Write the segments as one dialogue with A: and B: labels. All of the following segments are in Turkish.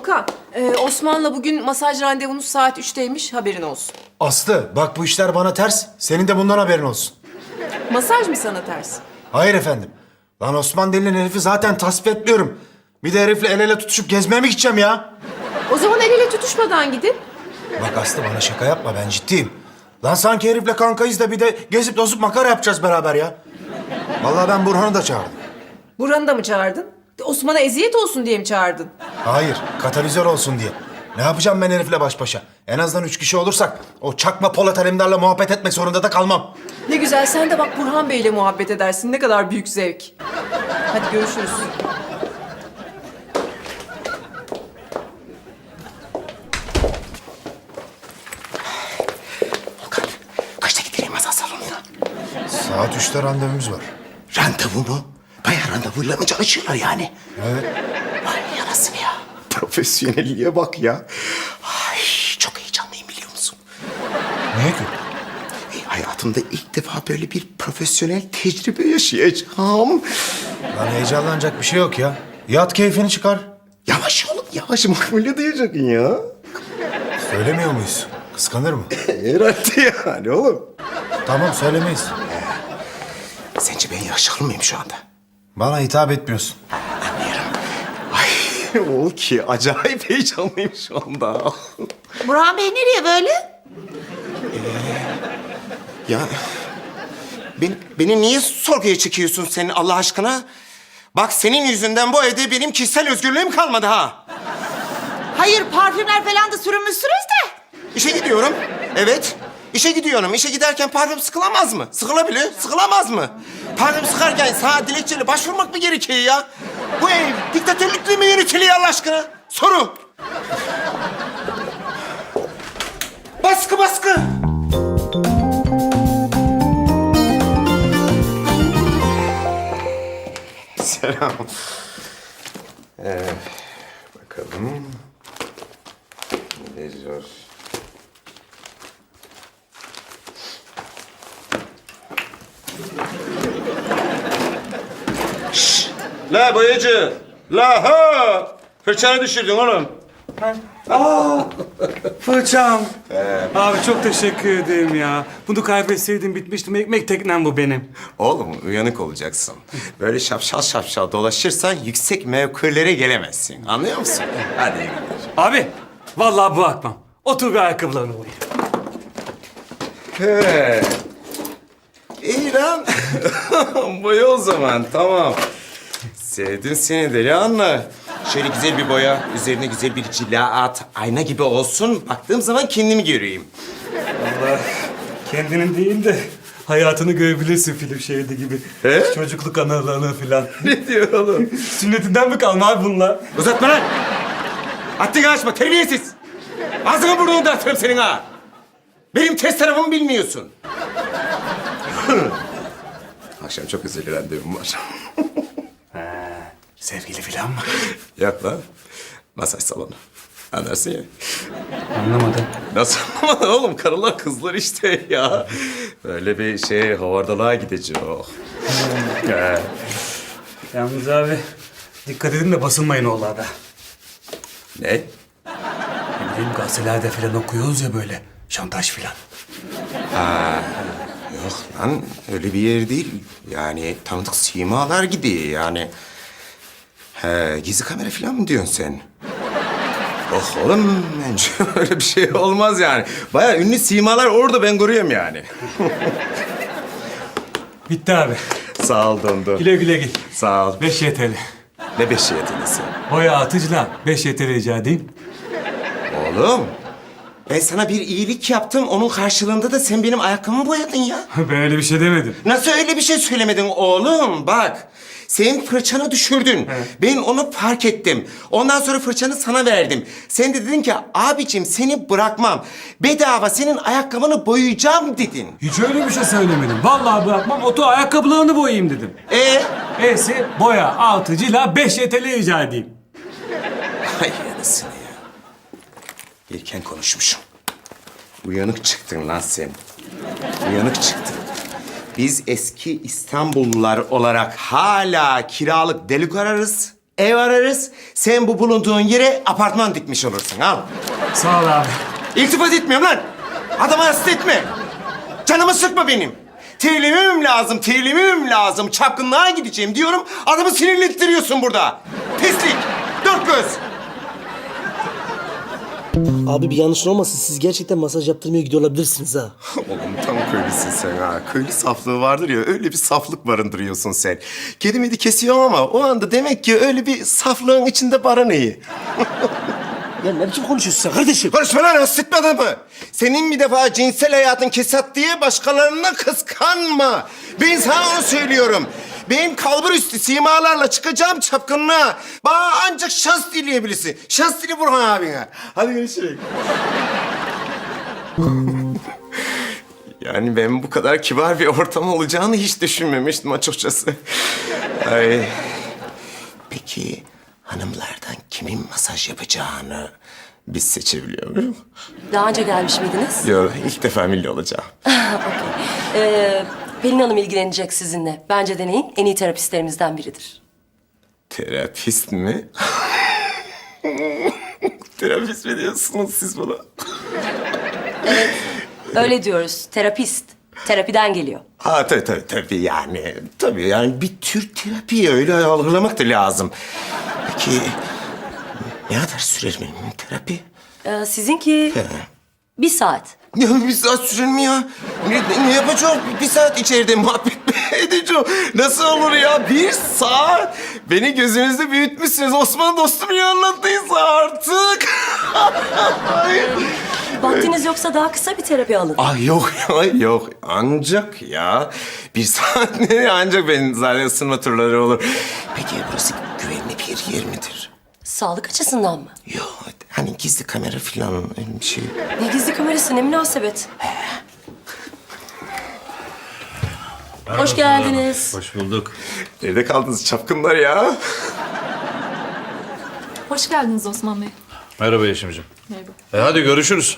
A: Volkan, Osman'la bugün masaj randevunuz saat 3'teymiş, haberin olsun.
B: Aslı bak bu işler bana ters. Senin de bundan haberin olsun.
A: Masaj mı sana ters?
B: Hayır efendim. Lan Osman denilen herifi zaten tasvip etmiyorum. Bir de herifle el ele tutuşup gezmeye mi gideceğim ya?
A: O zaman el ele tutuşmadan gidin.
B: Bak Aslı bana şaka yapma, ben ciddiyim. Lan sanki herifle kankayız da bir de gezip tozup makara yapacağız beraber ya. Vallahi ben Burhan'ı da çağırdım.
A: Burhan'ı da mı çağırdın? Osman'a eziyet olsun diye mi çağırdın?
B: Hayır, katalizör olsun diye. Ne yapacağım ben herifle baş başa? En azından 3 kişi olursak o çakma Polat Alemdar'la muhabbet etmek zorunda da kalmam.
A: Ne güzel, sen de bak Burhan Bey'le muhabbet edersin. Ne kadar büyük zevk. Hadi görüşürüz.
C: Volkan, kaçta gidelim masal salonuna?
B: Saat 3'te randevumuz var.
C: Randevu mu? Bayağı randevuyla mı çalışıyorlar yani?
B: Evet.
C: Vay yarasını ya. Profesyonelliğe bak ya. Ay çok heyecanlıyım biliyor musun?
B: Niye ki?
C: Hayatımda ilk defa böyle bir profesyonel tecrübe yaşayacağım.
B: Lan heyecanlanacak bir şey yok ya. Yat keyfini çıkar.
C: Yavaş oğlum yavaş makbule duyacaksın ya.
B: Söylemiyor muyuz? Kıskanır mı?
C: Herhalde yani oğlum.
B: Tamam söylemeyiz.
C: Sence ben yakışıklı mıyım şu anda?
B: Bana hitap etmiyorsun.
C: Anlıyorum. Ay oğul ki acayip heyecanlıyım şu anda.
D: Burhan Bey nereye böyle?
C: Ya beni niye sorguya çekiyorsun sen Allah aşkına? Bak senin yüzünden bu evde benim kişisel özgürlüğüm kalmadı ha.
D: Hayır, parfümler falan da sürünmüşsünüz de.
C: İşe gidiyorum. Evet. İşe gidiyorum. İşe giderken parfüm sıkılamaz mı? Sıkılabilir. Sıkılamaz mı? Parfüm sıkarken sana dilekçeyle başvurmak mı gerekiyor ya? Bu ev diktatörlükle mi yönetiliyor Allah aşkına? Soru. Baskı baskı. Selam. Bakalım. Ne zor.
E: La boyacı! La ha! Fırçanı düşürdün oğlum.
F: Fırçam. Abi çok teşekkür ederim ya. Bunu kaybetseydim bitmiştim. Ekmek teknem bu benim.
C: Oğlum uyanık olacaksın. Böyle şapşal şapşal dolaşırsan yüksek mevkilere gelemezsin. Anlıyor musun? Hadi.
F: Abi vallahi bırakmam. Otur bir ayakkabılarını koyayım.
C: He. İyi lan. Boya o zaman tamam. Sevdim seni Delihanlı. Şöyle güzel bir boya, üzerine güzel bir cila at. Ayna gibi olsun. Baktığım zaman kendimi göreyim.
F: Allah kendinin değil de hayatını görebilirsin film şeridi gibi.
C: He?
F: Çocukluk anılarını falan.
C: Ne diyor oğlum?
F: Sünnetinden mi kalma abi bunlar?
C: Uzatma lan! Haddini aşma, terbiyesiz! Ağzını burnunu dağıtırım senin ha! Benim test tarafımı bilmiyorsun. Akşam çok özel randevum var.
F: Sevgili falan mı?
C: Yok lan. Masaj salonu. Anlarsın ya.
F: Anlamadım.
C: Nasıl anlamadın oğlum? Karılar kızlar işte ya. Böyle bir şey havardalığa gideceğim.
F: Yalnız abi dikkat edin de basılmayın oğlarda.
C: Ne?
F: Ne bileyim gazetelerde falan okuyoruz ya böyle şantaj falan.
C: Yok lan öyle bir yer değil. Yani tanıdık simalar gidiyor yani. He, gizli kamera falan mı diyorsun sen? Oh oğlum bence öyle bir şey olmaz yani. Bayağı ünlü simalar orada ben görüyorum yani.
F: Bitti abi.
C: Sağ ol Dondo.
F: Güle güle git.
C: Sağ ol.
F: 5 YTL.
C: Ne beşi yetenesi?
F: Boya atıcıla 5 YTL rica edeyim.
C: Oğlum ben sana bir iyilik yaptım. Onun karşılığında da sen benim ayakkabımı boyadın ya.
F: Ben öyle bir şey demedim.
C: Nasıl öyle bir şey söylemedin oğlum? Bak, sen fırçanı düşürdün. Ben onu fark ettim. Ondan sonra fırçanı sana verdim. Sen de dedin ki, abicim seni bırakmam. Bedava senin ayakkabını boyayacağım dedin.
F: Hiç öyle bir şey söylemedim. Vallahi bırakmam, oto ayakkabılarını boyayayım dedim. E'si boya atıcıyla 5 YTL rica edeyim.
C: Hay anasını ya. Erken konuşmuşum. Uyanık çıktın lan sen. Uyanık çıktın. Biz eski İstanbullular olarak hala kiralık delik ararız. Ev ararız. Sen bu bulunduğun yere apartman dikmiş olursun. Al.
F: Sağ ol abi.
C: İltifat etmiyorum lan. Adamı hasta etme. Canımı sıkma benim. Terlemem lazım. Çapkınlığa gideceğim diyorum. Adamı sinirlettiriyorsun burada. Pislik. Dört göz.
G: Abi bir yanlış olmasın. Siz gerçekten masaj yaptırmaya gidiyor olabilirsiniz ha.
C: Oğlum tam köylüsün sen ha. Köylü saflığı vardır ya, öyle bir saflık barındırıyorsun sen. Kedimedi kesiyorum ama o anda demek ki öyle bir saflığın içinde barınıyor.
G: Ya ne biçim konuşuyorsun sen kardeşim?
C: Konuşma lan, ısıtmadın mı? Senin bir defa cinsel hayatın kesat diye başkalarını kıskanma. Ben sana onu söylüyorum. Benim kalbur üstü simalarla çıkacağım çapkınlığa. Bana ancak şans dileyebilirsin. Şans dile Burhan abine. Hadi görüşürüz. Yani ben bu kadar kibar bir ortam olacağını hiç düşünmemiştim açıkçası. Ay. Peki hanımlardan kimin masaj yapacağını biz seçebiliyor muyuz?
H: Daha önce gelmiş miydiniz?
C: Yok, ilk defa milli olacağım.
H: Pelin Hanım ilgilenecek sizinle. Bence deneyin. En iyi terapistlerimizden biridir.
C: Terapist mi? Terapist mi diyorsunuz siz bana?
H: Öyle diyoruz. Terapist. Terapiden geliyor.
C: Ha tabii yani. Tabii yani bir tür terapi öyle algılamak da lazım. Peki ne kadar sürer benim terapi?
H: Sizinki 1 saat.
C: Ya bir saat sürer mi ya? Ne yapacağım? Bir saat içeride muhabbet mi edeceğim? Nasıl olur ya? 1 saat? Beni gözünüzde büyütmüşsünüz. Osman dostum ya anlattıysa artık.
H: Vaktiniz yoksa daha kısa bir terapi alın.
C: Ay yok ya yok. Ancak ya 1 saat ne? Ancak benim zaten ısınma turları olur. Peki burası güvenli bir yer midir?
H: Sağlık açısından mı?
C: Yok hani gizli kamera falan öyle bir şey.
H: Ne gizli kamerası, ne münasebet. Hoş geldiniz.
E: Hoş bulduk.
C: Nerede kaldınız çapkınlar ya?
I: Hoş geldiniz Osman Bey.
E: Merhaba Yeşim'ciğim.
I: Merhaba.
E: Hadi görüşürüz.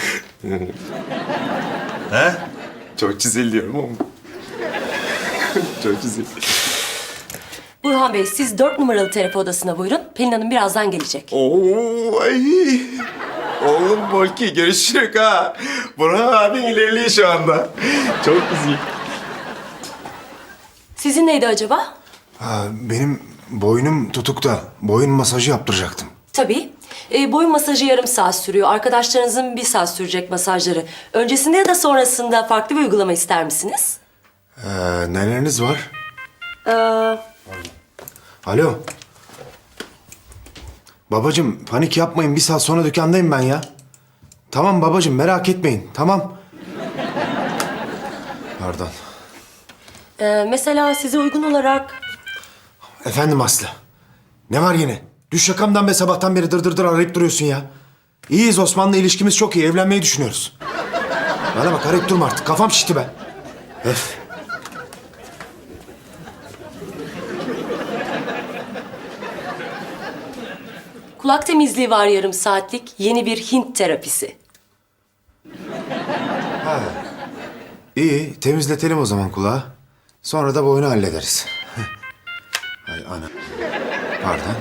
E: He?
C: Çok çizil diyorum ama. Çok çizil.
H: Burhan Bey, siz 4 numaralı terapi odasına buyurun. Pelin Hanım birazdan gelecek.
C: Oo ay. Oğlum Bolki görüşürük ha. Burhan abin ilerliyor şu anda. Çok güzel.
H: Sizin neydi acaba?
B: Benim boynum tutukta. Boyun masajı yaptıracaktım.
H: Tabii. Boyun masajı yarım saat sürüyor. Arkadaşlarınızın 1 saat sürecek masajları. Öncesinde ya da sonrasında farklı bir uygulama ister misiniz?
B: Neleriniz var?
H: Ee,
B: Alo. Babacığım panik yapmayın. 1 saat sonra dükkandayım ben ya. Tamam babacığım merak etmeyin. Tamam. Pardon.
H: mesela size uygun olarak...
B: Efendim Aslı. Ne var yine? Düş yakamdan be sabahtan beri dır arayıp duruyorsun ya. İyiyiz Osman'la ilişkimiz çok iyi. Evlenmeyi düşünüyoruz. Bana bak arayıp durma artık. Kafam şişti be. Öf.
H: Kulak temizliği var yarım saatlik. Yeni bir Hint terapisi.
B: İyi temizletelim o zaman kulağı. Sonra da boynu hallederiz. Ay ana. Pardon.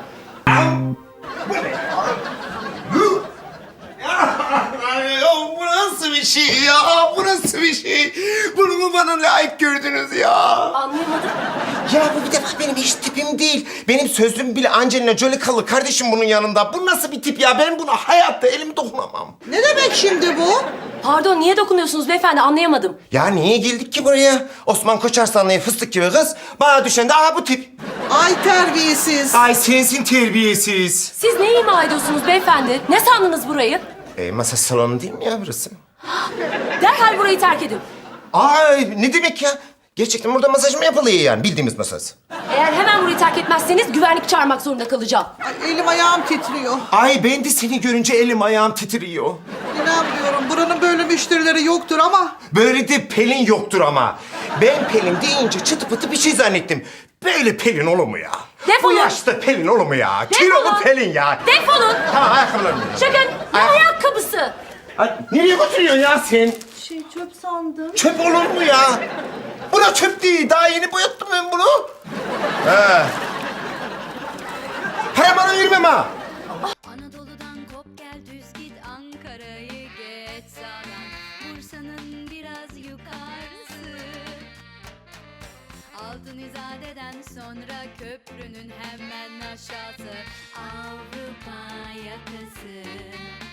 C: Ay, bu nasıl bir şey ya? Bu nasıl bir şey? Bunu mu bana layık gördünüz ya?
H: Anlayamadım.
C: Ya bu bir defa benim hiç tipim değil. Benim sözlüğüm bile Angelina Jolie kalır kardeşim bunun yanında. Bu nasıl bir tip ya? Ben buna hayatta elimi dokunamam.
D: Ne demek şimdi bu?
H: Pardon, niye dokunuyorsunuz beyefendi? Anlayamadım.
C: Ya niye geldik ki buraya? Osman Koçarslanlı'ya fıstık gibi kız. Bana düşen de aha bu tip.
D: Ay terbiyesiz.
C: Ay sensin terbiyesiz.
H: Siz ne ima ediyorsunuz beyefendi? Ne sandınız burayı?
C: Masaj salonu değil mi ya burası?
H: Derhal burayı terk edin.
C: Ay ne demek ya? Gerçekten burada masaj mı yapılıyor yani? Bildiğimiz masaj.
H: Eğer hemen burayı terk etmezseniz güvenlik çağırmak zorunda kalacağım.
D: Ay, elim ayağım titriyor.
C: Ay ben de seni görünce elim ayağım titriyor.
D: İnanmıyorum. Buranın böyle müşterileri yoktur ama.
C: Böyle de Pelin yoktur ama. Ben Pelin deyince çıtı pıtı bir şey zannettim. Böyle Pelin olur mu ya?
H: Defolun.
C: Bu yaşta Pelin olur mu ya?
H: Defolun.
C: Kilolu Pelin ya.
H: Defolun.
C: Tamam ayakkabılarımı.
H: Çıkın. Ne ayakkabısı?
C: Ay, nereye götürüyorsun ya sen?
H: Çöp sandım.
C: Çöp olur mu ya? Bu da çöp değil. Daha yeni boyattım ben bunu.
B: Para bana ayırmam ha.
I: Anadolu'dan kop gel düz git Ankara'yı geç sağdan Bursa'nın biraz yukarısı Altın İzade'den sonra köprünün hemen aşağısı Avrupa yakası